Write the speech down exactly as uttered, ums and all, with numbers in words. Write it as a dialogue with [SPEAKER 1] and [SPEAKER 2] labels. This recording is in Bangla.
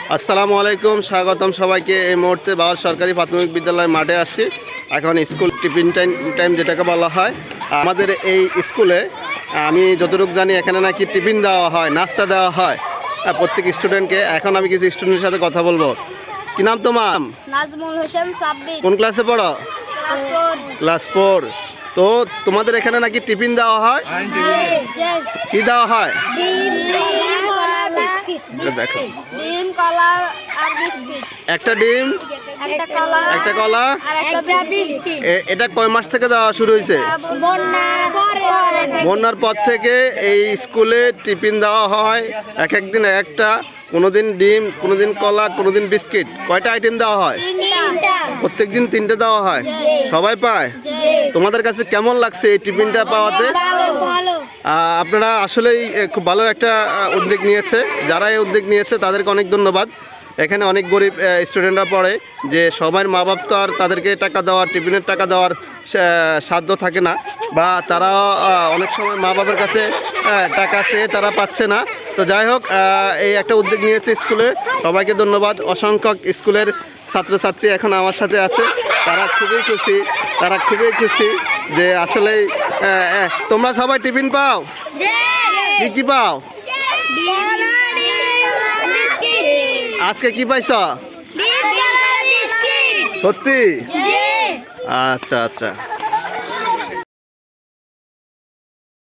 [SPEAKER 1] আসসালামু আলাইকুম, স্বাগতম সবাইকে। এই মুহূর্তে বাউল সরকারি প্রাথমিক বিদ্যালয় মাঠে আসছি। এখন স্কুল টিফিন টাইম টাইম যেটাকে বলা হয়। আমাদের এই স্কুলে আমি যতটুকু জানি এখানে নাকি টিফিন দেওয়া হয়, নাস্তা দেওয়া হয় প্রত্যেক স্টুডেন্টকে। এখন আমি কিছু স্টুডেন্টের সাথে কথা বলবো। কি নাম তোমার?
[SPEAKER 2] নাজমুল হোসেন সাব্বির।
[SPEAKER 1] কোন ক্লাসে পড়ো?
[SPEAKER 2] Class four.
[SPEAKER 1] Class four. তো তোমাদের এখানে নাকি টিফিন দেওয়া হয়? কি দেওয়া হয়?
[SPEAKER 2] ডিম, কলা, বিস্কিট।
[SPEAKER 1] দেখো,
[SPEAKER 2] ডিম, কলা আর বিস্কিট।
[SPEAKER 1] একটা ডিম,
[SPEAKER 2] একটা কলা,
[SPEAKER 1] একটা কলা,
[SPEAKER 2] আর একটা বিস্কিট।
[SPEAKER 1] এ- এটা কয় মাস থেকে দেওয়া শুরু হয়েছে?
[SPEAKER 2] বন্যার পরে থেকে।
[SPEAKER 1] বন্যার পর থেকে এই স্কুলে টিফিন দেওয়া হয় এক একদিন একটা, কোনোদিন ডিম, কোনোদিন কলা, কোনোদিন বিস্কিট। কয়টা আইটেম দেওয়া হয়?
[SPEAKER 2] তিনটা।
[SPEAKER 1] প্রত্যেক দিন তিনটে দেওয়া হয়। সবাই পায়? তোমাদের কাছে কেমন লাগছে এই টিফিনটা পাওয়াতে?
[SPEAKER 2] ভালো।
[SPEAKER 1] আহ, আপনারা আসলেই এ, খুব ভালো একটা আহ, উদ্যোগ নিয়েছে। যারা এই উদ্যোগ নিয়েছে তাদেরকে অনেক ধন্যবাদ। এখানে অনেক গরিব স্টুডেন্টরা পড়ে, যে সবার মা বাপ তো আর তাদেরকে টাকা দেওয়ার, টিফিনের টাকা দেওয়ার সা- সাধ্য থাকে না, বা তারা আহ, অনেক সময় মা বাবার কাছে আহ, টাকা চেয়ে তারা পাচ্ছে না। তো যাই হোক, আহ, এই একটা উদ্যোগ নিয়েছে স্কুলে। সবাইকে ধন্যবাদ। অসংখ্য স্কুলের ছাত্রছাত্রী এখন আমার সাথে আছে। তারা খুবই খুশি, তারা খুবই খুশি যে আসলেই আহ, আহ, তোমরা সবাই টিফিন পাও? কি কি পাও? আজকে কি পাইছ? সত্যি? আচ্ছা আচ্ছা।